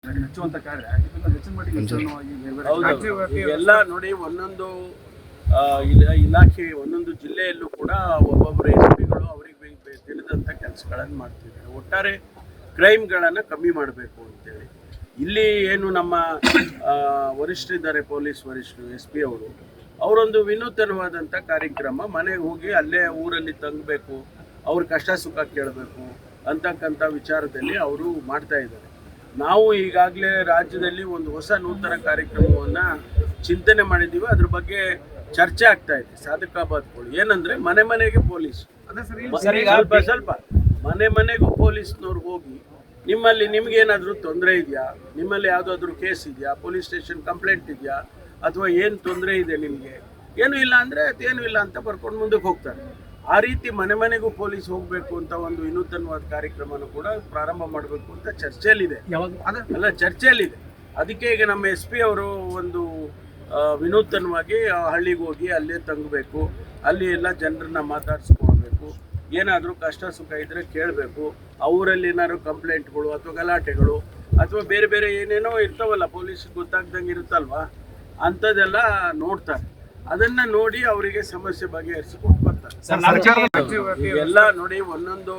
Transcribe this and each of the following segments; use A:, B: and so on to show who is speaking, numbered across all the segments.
A: ಹೆಚ್ಚುವಂತ ಕಾರ್ಯ ಇದನ್ನ ಹೆಚ್ಚಿನ ಮಟ್ಟಿಗೆ
B: ಎಲ್ಲ ನೋಡಿ ಒಂದೊಂದು ಇಲಾಖೆ ಒಂದೊಂದು ಜಿಲ್ಲೆಯಲ್ಲೂ ಕೂಡ ಒಬ್ಬೊಬ್ಬರು ಎಸ್ಪಿಗಳು ಅವರಿಗೆ ತಿಳಿದಂಥ ಕೆಲಸಗಳನ್ನು ಮಾಡ್ತಿದ್ದಾರೆ. ಒಟ್ಟಾರೆ ಕ್ರೈಮ್ಗಳನ್ನು ಕಮ್ಮಿ ಮಾಡಬೇಕು ಅಂತೇಳಿ ಇಲ್ಲಿ ಏನು ನಮ್ಮ ವರಿಷ್ಠರಿದ್ದಾರೆ, ಪೊಲೀಸ್ ವರಿಷ್ಠರು SP ಅವರೊಂದು ವಿನೂತನವಾದಂಥ ಕಾರ್ಯಕ್ರಮ, ಮನೆಗೆ ಹೋಗಿ ಅಲ್ಲೇ ಊರಲ್ಲಿ ತಂಗಬೇಕು, ಅವ್ರ ಕಷ್ಟ ಸುಖ ಕೇಳಬೇಕು ಅಂತಕ್ಕಂಥ ವಿಚಾರದಲ್ಲಿ ಅವರು ಮಾಡ್ತಾ ಇದ್ದಾರೆ. ನಾವು ಈಗಾಗಲೇ ರಾಜ್ಯದಲ್ಲಿ ಒಂದು ಹೊಸ ನೂತನ ಕಾರ್ಯಕ್ರಮವನ್ನು ಚಿಂತನೆ ಮಾಡಿದ್ದೀವಿ. ಅದ್ರ ಬಗ್ಗೆ ಚರ್ಚೆ ಆಗ್ತಾ ಇದೆ. ಸಾಧಕಾಬಾದ್ಗಳು ಏನಂದ್ರೆ ಮನೆ ಮನೆಗೆ ಪೊಲೀಸ್, ಸ್ವಲ್ಪ ಮನೆ ಮನೆಗೂ ಪೊಲೀಸ್ನವ್ರು ಹೋಗಿ ನಿಮಗೇನಾದರೂ ತೊಂದರೆ ಇದೆಯಾ, ನಿಮ್ಮಲ್ಲಿ ಯಾವುದಾದ್ರೂ ಕೇಸ್ ಇದೆಯಾ, ಪೊಲೀಸ್ ಸ್ಟೇಷನ್ ಕಂಪ್ಲೇಂಟ್ ಇದೆಯಾ, ಅಥವಾ ಏನು ತೊಂದರೆ ಇದೆ ನಿಮಗೆ, ಏನೂ ಇಲ್ಲ ಅಂದರೆ ಅದೇನೂ ಇಲ್ಲ ಅಂತ ಬರ್ಕೊಂಡು ಮುಂದಕ್ಕೆ ಹೋಗ್ತಾರೆ. ಆ ರೀತಿ ಮನೆ ಮನೆಗೂ ಪೊಲೀಸ್ ಹೋಗಬೇಕು ಅಂತ ಒಂದು ವಿನೂತನವಾದ ಕಾರ್ಯಕ್ರಮನೂ ಕೂಡ ಪ್ರಾರಂಭ ಮಾಡಬೇಕು ಅಂತ ಚರ್ಚೆಯಲ್ಲಿದೆ. ಚರ್ಚೆಯಲ್ಲಿದೆ. ಅದಕ್ಕೆ ಈಗ ನಮ್ಮ SP ಅವರು ಒಂದು ವಿನೂತನವಾಗಿ ಹಳ್ಳಿಗೆ ಹೋಗಿ ಅಲ್ಲೇ ತಂಗಬೇಕು, ಅಲ್ಲಿ ಎಲ್ಲ ಜನರನ್ನ ಮಾತಾಡಿಸ್ಕೊಳ್ಬೇಕು, ಏನಾದರೂ ಕಷ್ಟ ಸುಖ ಇದ್ದರೆ ಕೇಳಬೇಕು, ಅವರಲ್ಲಿ ಏನಾದ್ರು ಕಂಪ್ಲೇಂಟ್ಗಳು ಅಥವಾ ಗಲಾಟೆಗಳು ಅಥವಾ ಬೇರೆ ಬೇರೆ ಏನೇನೋ ಇರ್ತಾವಲ್ಲ, ಪೊಲೀಸ್ಗೆ ಗೊತ್ತಾಗ್ದಂಗೆ ಇರುತ್ತಲ್ವಾ, ಅಂಥದ್ದೆಲ್ಲ ನೋಡ್ತಾರೆ. ಅದನ್ನ ನೋಡಿ ಅವರಿಗೆ ಸಮಸ್ಯೆ ಬಗೆಹರಿಸಿಕೊಂಡು ಬರ್ತಾರೆ. ಎಲ್ಲ ನೋಡಿ ಒಂದೊಂದು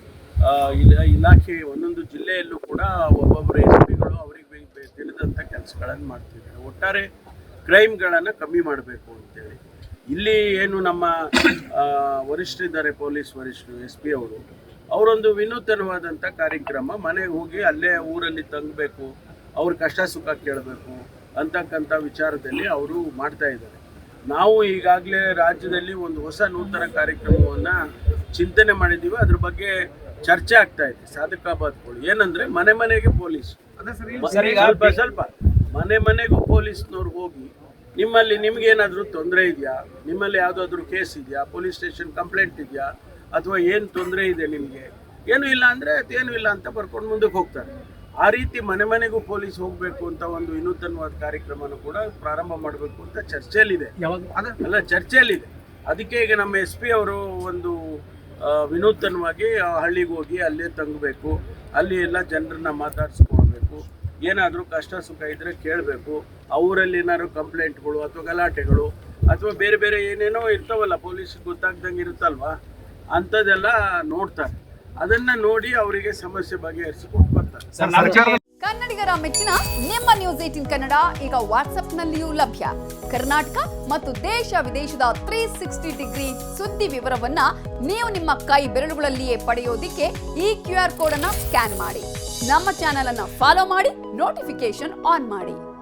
B: ಇಲಾಖೆ ಒಂದೊಂದು ಜಿಲ್ಲೆಯಲ್ಲೂ ಕೂಡ ಒಬ್ಬೊಬ್ಬರು SPಗಳು ಅವರಿಗೆ ತಿಳಿದಂಥ ಕೆಲಸಗಳನ್ನು ಮಾಡ್ತಿದ್ದಾರೆ. ಒಟ್ಟಾರೆ ಕ್ರೈಮ್ಗಳನ್ನು ಕಮ್ಮಿ ಮಾಡಬೇಕು ಅಂತೇಳಿ ಇಲ್ಲಿ ಏನು ನಮ್ಮ ವರಿಷ್ಠರಿದ್ದಾರೆ, ಪೊಲೀಸ್ ವರಿಷ್ಠರು SP ಅವರೊಂದು ವಿನೂತನವಾದಂಥ ಕಾರ್ಯಕ್ರಮ, ಮನೆಗೆ ಹೋಗಿ ಅಲ್ಲೇ ಊರಲ್ಲಿ ತಂಗಬೇಕು, ಅವ್ರ ಕಷ್ಟ ಸುಖ ಕೇಳಬೇಕು ಅಂತಕ್ಕಂಥ ವಿಚಾರದಲ್ಲಿ ಅವರು ಮಾಡ್ತಾ ಇದ್ದಾರೆ. ನಾವು ಈಗಾಗಲೇ ರಾಜ್ಯದಲ್ಲಿ ಒಂದು ಹೊಸ ನೂತನ ಕಾರ್ಯಕ್ರಮವನ್ನು ಚಿಂತನೆ ಮಾಡಿದ್ದೀವಿ. ಅದ್ರ ಬಗ್ಗೆ ಚರ್ಚೆ ಆಗ್ತಾ ಇದೆ. ಸಾಧಕಾಬಾದ್ಗಳು ಏನಂದ್ರೆ ಮನೆ ಮನೆಗೆ ಪೊಲೀಸ್, ಸ್ವಲ್ಪ ಮನೆ ಮನೆಗೂ ಪೊಲೀಸ್ನವ್ರು ಹೋಗಿ ನಿಮಗೇನಾದರೂ ತೊಂದರೆ ಇದೆಯಾ, ನಿಮ್ಮಲ್ಲಿ ಯಾವುದಾದ್ರೂ ಕೇಸ್ ಇದೆಯಾ, ಪೊಲೀಸ್ ಸ್ಟೇಷನ್ ಕಂಪ್ಲೇಂಟ್ ಇದೆಯಾ, ಅಥವಾ ಏನು ತೊಂದರೆ ಇದೆ ನಿಮಗೆ, ಏನೂ ಇಲ್ಲ ಅಂದರೆ ಅದೇನೂ ಇಲ್ಲ ಅಂತ ಬರ್ಕೊಂಡು ಮುಂದಕ್ಕೆ ಹೋಗ್ತಾರೆ. ಆ ರೀತಿ ಮನೆ ಮನೆಗೂ ಪೊಲೀಸ್ ಹೋಗಬೇಕು ಅಂತ ಒಂದು ವಿನೂತನವಾದ ಕಾರ್ಯಕ್ರಮನೂ ಕೂಡ ಪ್ರಾರಂಭ ಮಾಡಬೇಕು ಅಂತ ಚರ್ಚೆಯಲ್ಲಿದೆ. ಚರ್ಚೆಯಲ್ಲಿದೆ. ಅದಕ್ಕೆ ಈಗ ನಮ್ಮ SP ಅವರು ಒಂದು ವಿನೂತನವಾಗಿ ಹಳ್ಳಿಗೆ ಹೋಗಿ ಅಲ್ಲೇ ತಂಗಬೇಕು, ಅಲ್ಲಿ ಎಲ್ಲ ಜನರನ್ನ ಮಾತಾಡಿಸ್ಕೊಳ್ಬೇಕು, ಏನಾದರೂ ಕಷ್ಟ ಸುಖ ಇದ್ದರೆ ಕೇಳಬೇಕು, ಅವರಲ್ಲಿ ಏನಾದ್ರು ಕಂಪ್ಲೇಂಟ್ಗಳು ಅಥವಾ ಗಲಾಟೆಗಳು ಅಥವಾ ಬೇರೆ ಬೇರೆ ಏನೇನೋ ಇರ್ತಾವಲ್ಲ, ಪೊಲೀಸ್ಗೆ ಗೊತ್ತಾಗ್ದಂಗೆ ಇರುತ್ತಲ್ವಾ, ಅಂಥದ್ದೆಲ್ಲ ನೋಡ್ತಾರೆ. ಅದನ್ನ ನೋಡಿ ಅವರಿಗೆ ಸಮಸ್ಯೆ ಬಗೆಹರಿಸಿಕೊಂಡು ಬರ್ತಾರೆ.
C: ಕನ್ನಡಿಗರ ಮೆಚ್ಚಿನ ನಿಮ್ಮ ನ್ಯೂಸ್ 18 ಕನ್ನಡ ಈಗ ವಾಟ್ಸ್ಆಪ್ನಲ್ಲಿಯೂ ಲಭ್ಯ. ಕರ್ನಾಟಕ ಮತ್ತು ದೇಶ ವಿದೇಶದ 360 ಡಿಗ್ರಿ ಸುದ್ದಿ ವಿವರವನ್ನ ನೀವು ನಿಮ್ಮ ಕೈ ಬೆರಳುಗಳಲ್ಲಿಯೇ ಪಡೆಯೋದಿಕ್ಕೆ ಈ QR ಕೋಡ್ ಅನ್ನ ಸ್ಕ್ಯಾನ್ ಮಾಡಿ. ನಮ್ಮ ಚಾನೆಲ್ ಅನ್ನ ಫಾಲೋ ಮಾಡಿ, ನೋಟಿಫಿಕೇಶನ್ ಆನ್ ಮಾಡಿ.